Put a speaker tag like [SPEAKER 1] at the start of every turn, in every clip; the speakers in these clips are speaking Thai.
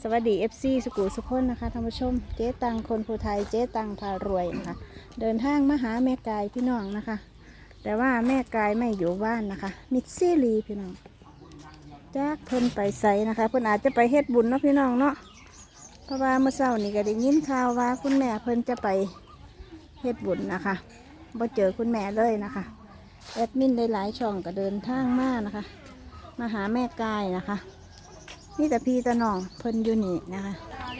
[SPEAKER 1] สวัสดีFC สุขุสุขคนนะคะท่านผู้ชมเจ๊ตังคนภูไทยเจ๊ตังพารวยนะคะเดินทางมาหาแม่กายพี่น้องนะคะ แต่ว่าแม่กายไม่อยู่บ้านนะคะมิดซี่ลีพี่น้องจากเพิ่นไปใส่นะคะเพิ่นอาจจะไปเฮ็ดบุญเนาะพี่น้องเนาะเพราะว่าเมื่อเช้านี่ก็ได้ยินข่าวว่าคุณแม่เพิ่นจะไปเฮ็ดบุญนะคะบ่เจอคุณแม่เลยนะคะแอดมินได้หลายช่องก็เดินทางมานะคะมาหาแม่กายนะคะนี่แต่พี่ตะน้องเพิ่นอยู่นี่นะคะ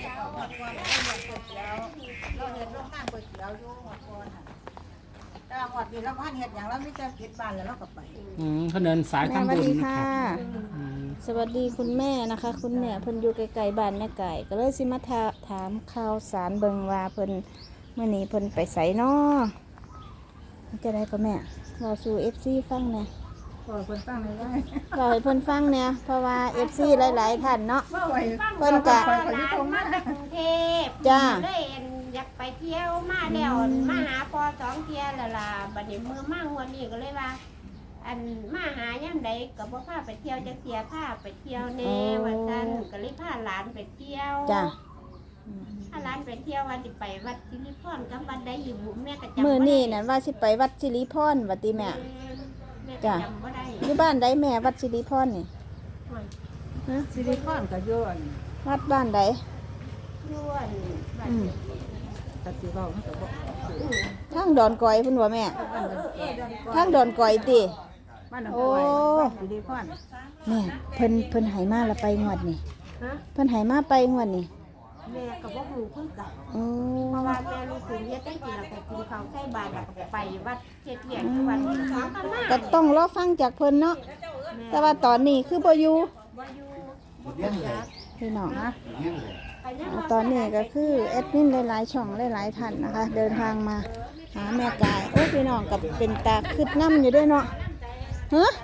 [SPEAKER 2] หอดดีแล้วพันเห็ดอย่างแล้วไม่จะปิดบ้านแล้วเราก็ไป
[SPEAKER 3] เขาเดินสาย
[SPEAKER 1] แม่
[SPEAKER 3] ทำ
[SPEAKER 1] สวัส
[SPEAKER 3] บุญ
[SPEAKER 1] ดี
[SPEAKER 3] นะ
[SPEAKER 1] ค่ะ
[SPEAKER 3] ครับ
[SPEAKER 1] สวัสดีคุณแม่นะคะ คุณแม่เพิ่นอยู่ไกลๆบ้านแม่ไก่ก็เลยสิมาถามข่าวสารเบิงว่าเพิ่นเมื่อนี้เพิ่นไปใส่นอจะได้ก็แม่เราสู่ FC ฟังเนี่ย
[SPEAKER 2] พอคนตั้งเลยว่า
[SPEAKER 1] เราให้เพิ่นฟังเนี่ยเพราะว่า FC หลายๆท่านเนาะ
[SPEAKER 2] ว่าไหว
[SPEAKER 1] เพิ่นกะ
[SPEAKER 2] ไปที่ตรงนั้น
[SPEAKER 4] กรุงเทพ
[SPEAKER 1] จ้า
[SPEAKER 4] เลยอยากไปเที่ยวมาแล้วมาหาพอสองเที่ยวแล้วล่ะบัดนี้มือมางวันนี้ก็เลยว่า อันมาหาย่ำใดก็บ่พาไปเที่ยวจะเสียพาไปเที่ยวแน่ว่าซั่นก็เลยพาหลานไปเที่ยว
[SPEAKER 1] จ้ะ
[SPEAKER 4] พาหลานไปเที่ยวว่าสิไปวัดสิริพรกับวัดใดอยู่บุแม่ก็จำ
[SPEAKER 1] มื้อนี้นั่นว่าสิไปวัดสิริพรวัดติแม่
[SPEAKER 4] แม่ก็
[SPEAKER 1] จ้ะ
[SPEAKER 4] จำบ่ได้
[SPEAKER 1] อยู่บ้านใดแม่วัดสิริพรนี่ฮะ
[SPEAKER 2] ซิลิคอนกับโยน
[SPEAKER 1] วัดบ้านใด
[SPEAKER 4] ย้วนบัด
[SPEAKER 1] อืม
[SPEAKER 2] กับสีเบามันก็บอก
[SPEAKER 1] ทางดอนกอยเพิ่นว่าแม่ทางดอนกอยติ
[SPEAKER 2] บ้านน้องกอยบ้านซิลิคอน
[SPEAKER 1] แม่เพิ่นใหายมาละไปงวดนี่
[SPEAKER 4] ฮะ
[SPEAKER 1] เพิ่นใหายมาไปงวดนี่
[SPEAKER 4] แม่ก็บ่ฮู้คือกัน
[SPEAKER 1] โอ้
[SPEAKER 4] เพราะว่าแม่ลูกถึงเฮ็ดได้กินแล้วก็กินข้าวใส่บาตรแล้วก็ไปวัดเฮ็ดเวียกที่วัดที่สองกันมา
[SPEAKER 1] ก็ต้องรอฟังจากเพิ่นเนาะแต่ว่าตอนนี้คือบ่อยู่
[SPEAKER 4] บ่อยู่บ่รู้จัก
[SPEAKER 1] พี่น้องนะ
[SPEAKER 4] ไปยัง
[SPEAKER 1] ตอนนี้ก็คือแอดมินหลายๆช่องหลายๆท่านนะคะ เดินทางมาหาแม่กายโอ้พี่น้องกับเป็นตาคึดน้ำอยู่ด้วยเนาะฮะ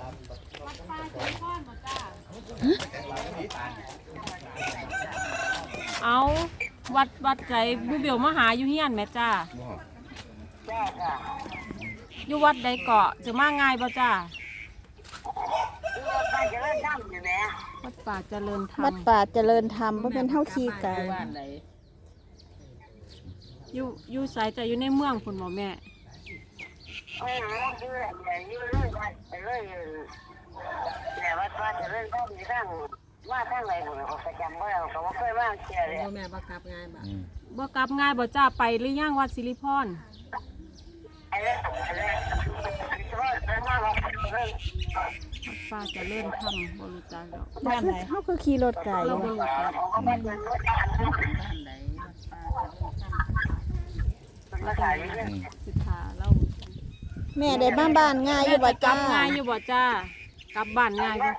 [SPEAKER 5] เอาวัดใจบูเบลมาหาอยู่เฮียนแม่จ้าอยู่วัดใดเกาะจะมาง่ายบ่จ้าวัดป่าเจริญธรร
[SPEAKER 1] วั
[SPEAKER 5] ม
[SPEAKER 1] ดป่าเจริญธรรมบ่เป็นเฮาขี้ไก่
[SPEAKER 5] อยู่สายจะอยู่ในเมืองพุ่นบ่แม่บ่กลับง่ายบ่จ้าไปหรือยังวัดสิริพรวัดป่าเจริญธรรมบ่รู้จักดอก
[SPEAKER 1] บ้านไหนเฮาคือขี่รถไก่
[SPEAKER 5] เราบ่รู้จักสิทาเรา
[SPEAKER 1] แม่ได้บ้านบ้านง่ายอยู่บ่
[SPEAKER 5] กลั
[SPEAKER 1] จ้า
[SPEAKER 5] บง่ายอยู่บ่จ้ากลับบ้านง่ายบ่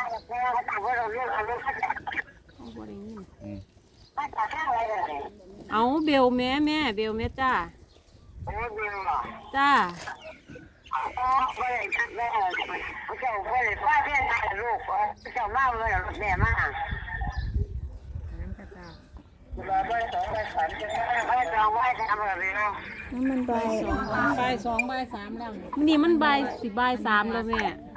[SPEAKER 5] เอาบ่ได้ยินเอาเบลแม่เบลแม่จ้าจ้า
[SPEAKER 1] น้ำมันใบ
[SPEAKER 2] บ่ายสองบ่ายสามแล้ว
[SPEAKER 5] มันนี่มันบ่ายสิบ่ายสามแล้วแม่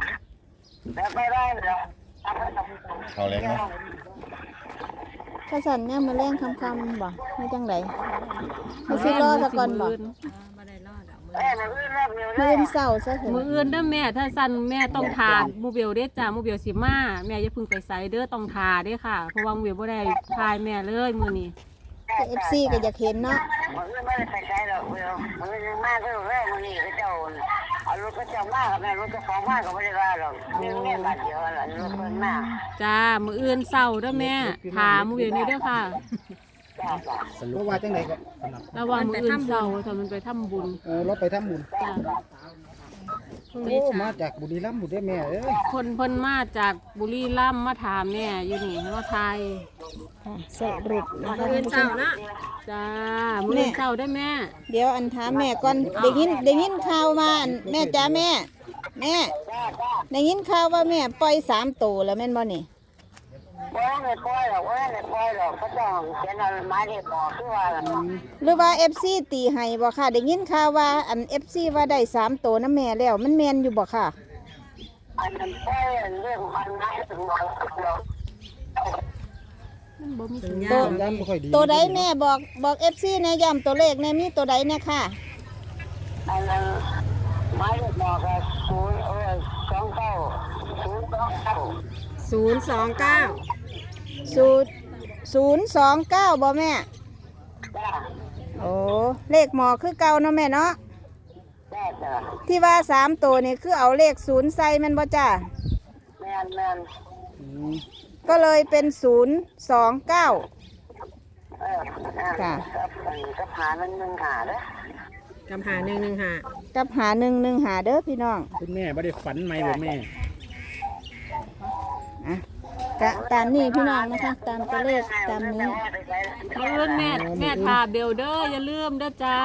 [SPEAKER 6] เขาเล็กเนาะ
[SPEAKER 1] กระสันเนี่ยมาแรงคำบ่ไม่จังไดมาซื้อรอซะก่อนบ่มื้อเช้าซะเถ
[SPEAKER 5] มือ
[SPEAKER 1] อะ
[SPEAKER 5] อื่นเด้อแม่ถ้าสั่นแม่ต้องทานหมูเบลเด้อจ้าหมูเบลสิมาแม่อย่าเพึ่งไปใส่เด้อต้องทาเด้อค่ะเพราะว่าหมูเบลบ่ได้ทายแม่เลยมื้อนี้
[SPEAKER 1] FC ก็อยากเห็นเนาะ
[SPEAKER 5] จ้ามืออื่นเศร้าเด้อแม่ถามมือเดียวนี้เด้อค่ะ
[SPEAKER 3] เพราะว่าจังไหนก็
[SPEAKER 5] ระวังมืออื่นเศร้าถ้ามันไปทำบุญ
[SPEAKER 3] เราไปทำบุญ
[SPEAKER 5] จ้า
[SPEAKER 3] โอ้มาจากบุรีรัมย์บุรีแม่เอ้ย
[SPEAKER 5] คนเพิ่นมาจากบุรีรัมย์มาถามแม่อยู่นี่ว่าไทย
[SPEAKER 1] ค่ะสรุปนะคะ
[SPEAKER 5] มืออื่นเศร้านะจ้ามืออื่นเศร้าได้อแม่
[SPEAKER 1] เดี๋ยวอันถามแม่ก่อนได้ยินข่าวมาอันแม่จ้าแม่ได้ยินข่าวว่าแม่ปล่อย3ตัวแล้วแม่นบ่นี่ หรือว่า FC ตีให้บ่ค่ะได้ยินข่าวว่าอัน FC ว่าได้3ตัวนะแม่แล้วมันแม่นอยู่บ่ค่ะ
[SPEAKER 4] อันนั้นแค่เรื่องมันนะถึงบอก
[SPEAKER 1] มัน
[SPEAKER 5] บ่มีสัญญา
[SPEAKER 1] ตัว
[SPEAKER 5] ณ
[SPEAKER 3] สัญญาณบ่ค่อยดี
[SPEAKER 1] ตัวใดแม่บอก FC แน่ย้ำตัวเลขแน่มีตัวใดเนี่ยค่ะ
[SPEAKER 7] อันนั้นไม้ลูกหมอกอะ
[SPEAKER 1] 029บ่แม่
[SPEAKER 7] จ้า
[SPEAKER 1] โอ้เลขหมอคือเก่าเนาะแม่เนาะ
[SPEAKER 7] จ้าจ้า
[SPEAKER 1] ที่ว่า3ตัวนี่คือเอาเลข0ใส่แม่นบ่จ้า
[SPEAKER 7] แม่น
[SPEAKER 3] อืม
[SPEAKER 1] ก็เลยเป็น029 ค่ะ
[SPEAKER 7] กับหาหนึ่งหาเด้อ
[SPEAKER 5] กำหา115
[SPEAKER 1] กับหา115เด้อพี่น้อง
[SPEAKER 3] คุณแม่บ่ได้ฝันไหมบ่แม่
[SPEAKER 1] อ่ะกะตามนี้พี่น้องนะคะ ตามตัวเลขตามนี้
[SPEAKER 5] มื้ออื่นแม่ทาเบลเดอร์อย่าลืมเด้อจ้า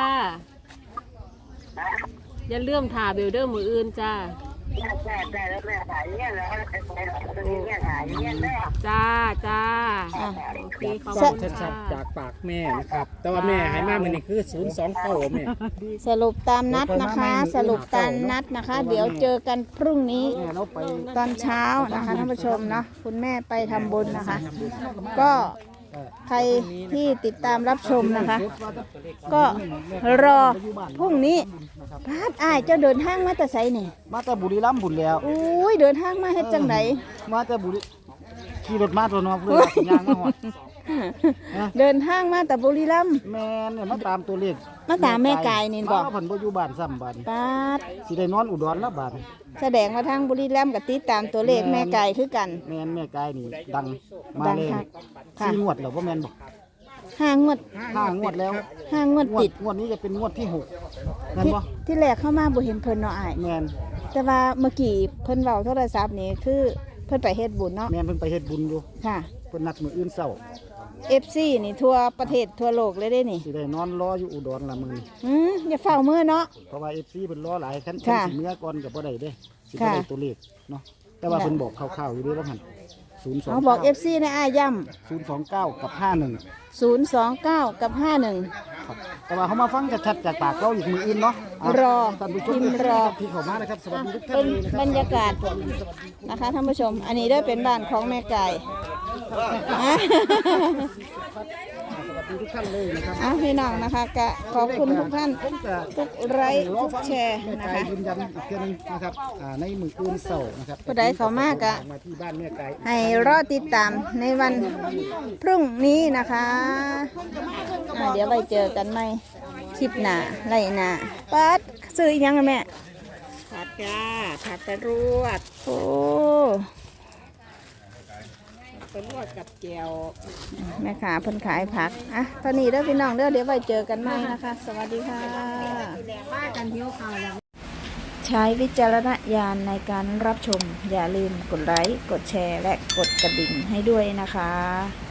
[SPEAKER 5] อย่าลืมทาเบลเดอร์มื้ออื่นจ้า
[SPEAKER 7] จ้าแล้วแม่ขายเงี้ยแล้วแม่ขายเงี้ยเด้อ
[SPEAKER 5] จ้า
[SPEAKER 1] อ่ะ
[SPEAKER 5] โอเคขอบคุณ
[SPEAKER 3] ชั
[SPEAKER 5] ค่ะ
[SPEAKER 3] ดๆจากปากแม่นะครับ แต่ว่าแม่ให้มามื้อนี้คือ029แม่
[SPEAKER 1] สรุปตามนัดนะคะ สรุปตามนัดนะคะ เดี๋ยวเจอกันพรุ่งนี้
[SPEAKER 3] แม่เราไป
[SPEAKER 1] ตอนเช้านะคะท่านผู้ชมเนาะคุณแม่ไปทำบุญนะคะ ก็ใครที่ติดตามรับชมนะคะ ก็รอพรุ่งนี้พาดอ้ายเจ้าเดินทางมาแต่ไสนี่
[SPEAKER 3] มาแต่บุรีรัมย์บุญแล้ว
[SPEAKER 1] อุ้ยเดินทางมาเฮ็ดจังได
[SPEAKER 3] มาแต่บุรีขี่รถมาตัวเนาะเพื่อนว่าสิย่างมาฮอด
[SPEAKER 1] เดินทางมาแต่บุรีรัมย์
[SPEAKER 3] แม่นเนี่ยมาตามตัวเลข
[SPEAKER 1] มาตามแม่กายนี่บอก
[SPEAKER 3] เพิ่นบ่อยู่บ้านซ้ำบ้าน
[SPEAKER 1] ปาด
[SPEAKER 3] สิได้นอนอุดรแล้วบ้าน
[SPEAKER 1] แสดงว่าทางบุรีรัมย์กับติดตามตัวเลขแม่ไก่คือกัน
[SPEAKER 3] แม่นแม่กายนี่ดังมา
[SPEAKER 1] ดัง
[SPEAKER 3] เลย
[SPEAKER 1] คักค่ะ
[SPEAKER 3] 4งวดแล้วบ่แม่นบ่
[SPEAKER 1] 5 งวด
[SPEAKER 3] 5งวดแล้ว
[SPEAKER 1] 5 งวดติด
[SPEAKER 3] งวดนี้จะเป็นงวดที่6แม่น
[SPEAKER 1] ที่
[SPEAKER 3] บ่
[SPEAKER 1] ที่แรกเข้ามาบ่เห็นเพิ่นเนาะอ้าย
[SPEAKER 3] แม่น
[SPEAKER 1] แต่ว่าเมื่อกี้เพิ่นเว้าโทรศัพท์นี่คือเพิ่นไปเฮ็ดบุญเนาะ
[SPEAKER 3] แม่นเพิ่นไปเฮ็ดบุญอยู่
[SPEAKER 1] ค่ะ
[SPEAKER 3] เพิ่นนัดมื้ออื่นเช้า
[SPEAKER 1] FC นี่ทั่วประเทศทั่วโลกเลยเด้นี่
[SPEAKER 3] สิได้นอนรออยู่อุดรละมื้อนี้
[SPEAKER 1] อย่าเฝ้ามือเนาะ
[SPEAKER 3] เพราะว่า FC เพิ่นรอหลายคัน
[SPEAKER 1] ค่ะ
[SPEAKER 3] สิเมื่อก่อนก็บ่ได้เด้สิบ่
[SPEAKER 1] ค่ะ
[SPEAKER 3] ได้ตัวเลขเนาะแต่ว่าเพิ่นบอกคร่าวๆอยู่เด้ว่าหั่น
[SPEAKER 1] เอาบอก FC ในอ้ายย้ำ
[SPEAKER 3] 029กับ51
[SPEAKER 1] 029 กับ 51
[SPEAKER 3] ครับแต่ว่าเขามาฟังชัดๆจากปากเราอีกมืออื่นเนาะะ
[SPEAKER 1] รอ
[SPEAKER 3] ท่านผู้ช
[SPEAKER 1] พิมพ์รอ
[SPEAKER 3] ที่เข้ามานะครับสวัสดีทุกท่า
[SPEAKER 1] เป็น น
[SPEAKER 3] เลยนะครับ
[SPEAKER 1] บรรยากาศนะคะท่านผู้ชม อันนี้ได้เป็นบ้านของแม่ไก่
[SPEAKER 3] สวัสดีทุกท่านเลยนะครับ
[SPEAKER 1] พี่น้องนะคะกะขอบคุณทุกท่าน
[SPEAKER 3] ผมจะ
[SPEAKER 1] ทุกไลค์ทุกแชร์
[SPEAKER 3] แม่
[SPEAKER 1] นะ
[SPEAKER 3] ไก่
[SPEAKER 1] คะ
[SPEAKER 3] ยืนยันอีกเทื่อนึงนะครับในมืออื่นเสาร์นะครับ
[SPEAKER 1] ผู้ใดเข้ามากะ
[SPEAKER 3] มาที่บ้านแม่ไก่
[SPEAKER 1] ให้รอติดตามในวันพรุ่งนี้นะคะเดี๋ยวไปเจอกันใหม่คลิปหน้าไรหน้าปัดซื้ออีกยังอะแม่
[SPEAKER 2] ผัดจ้าผัดไปรวด
[SPEAKER 1] โอ้
[SPEAKER 2] ไปรวดกับแก้ว
[SPEAKER 1] แม่ขาเพิ่นขายผักอ่ะตอนนี้เด้อพี่น้องเด้อเดี๋ยวไปเจอกันใหม่นะคะ สวัสดีค่ะ
[SPEAKER 2] ป้ากันเที่ยวข่าวแล้ว
[SPEAKER 1] ใช้วิจารณญาณในการรับชม อย่าลืมกดไลค์ กดแชร์ และกดกระดิ่งให้ด้วยนะคะ